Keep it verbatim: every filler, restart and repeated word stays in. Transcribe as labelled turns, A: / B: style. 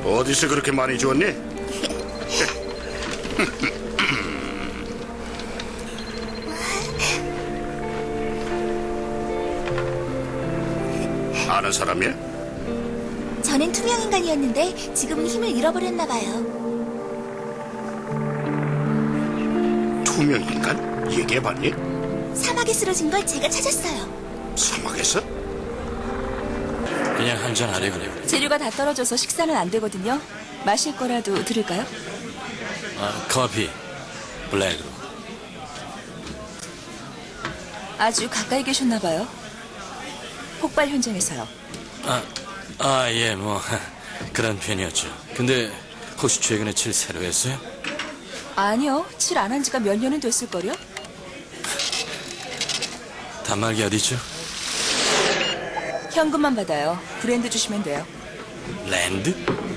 A: 어디서 그렇게 많이 주웠니? 아는 사람이야?
B: 전엔 투명 인간이었는데 지금은 힘을 잃어버렸나 봐요.
A: 투명 인간? 얘기해봤니?
B: 사막에 쓰러진 걸 제가 찾았어요.
A: 사막에서?
C: 그냥 한잔 하래 그래.
D: 재료가 다 떨어져서 식사는 안 되거든요. 마실 거라도 드릴까요?
C: 아, 커피 블랙으로.
D: 아주 가까이 계셨나 봐요. 폭발 현장에서요.
C: 아, 아, 예, 뭐 그런 편이었죠. 근데 혹시 최근에 칠 새로 했어요?
D: 아니요. 칠 안 한 지가 몇 년은 됐을걸요?
C: 단말기 어디죠?
D: 현금만 받아요. 브랜드 주시면 돼요.
C: 랜드?